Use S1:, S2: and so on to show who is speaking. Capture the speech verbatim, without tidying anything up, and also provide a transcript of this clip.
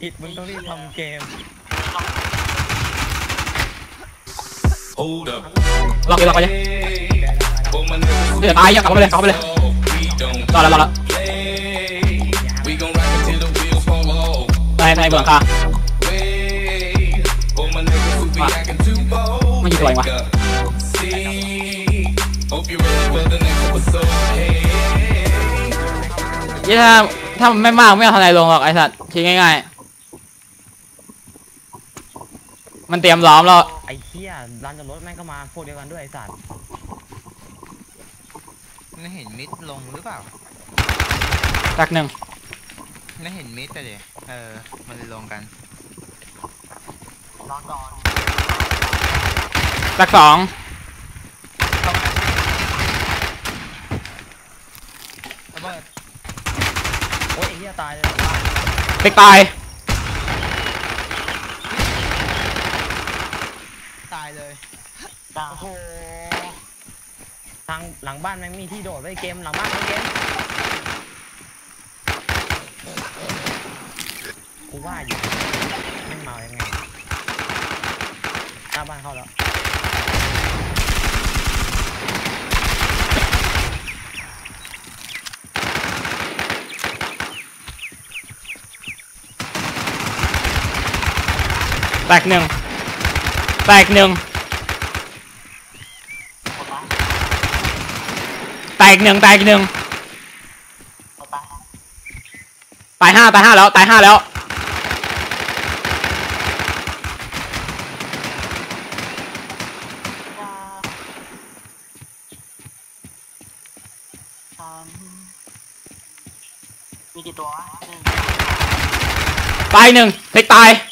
S1: ผิดมึงต้องรีบทำเกม
S2: ล็อกเลยล็อกไปเลยเดี๋ยวตายยังกลับไปเลยกลับไปเลยรอแล้วรอแล้วในในเบื้องค่ะไม่ยิงตัวเองวะยี่ถ้าถ้ามันไม่มากไม่เอาทนายลงหรอกไอ้สัตว์ทิ้งง่ายๆมันเตรียมล้อมแล้ว
S1: ไอ้เหี้ยร้านจอดรถแม่งก็มาพวกเดียวกันด้วยไอ้สัตว์
S3: ไม่เห็นมิดลงหรือเปล่า
S2: ตักหนึ่ง
S3: ไม่เห็นมิดแต่เดี๋ยวเออมันเลยลงกัน
S2: ตักสอง
S1: ระเบิดโอ้ยไอ้เหี้ยตายเลย
S2: ติ๊กตาย
S3: ตายเลย
S1: โอ้โหทางหลังบ้านแม่งมีที่โดดไว้เกมหลังบ้านเกมกูว่าอยู่แม่งเมายังไงหน้าบ้านเข้าแล้ว
S2: แตกหนึ่งแตกหนึ่งแตกหนึ่งแตกหนึ่งตายห้าตายห้าแล้วตายห้าแล้ว
S4: มีกี่ตัววะ
S2: ตายหนึ่งเทคตาย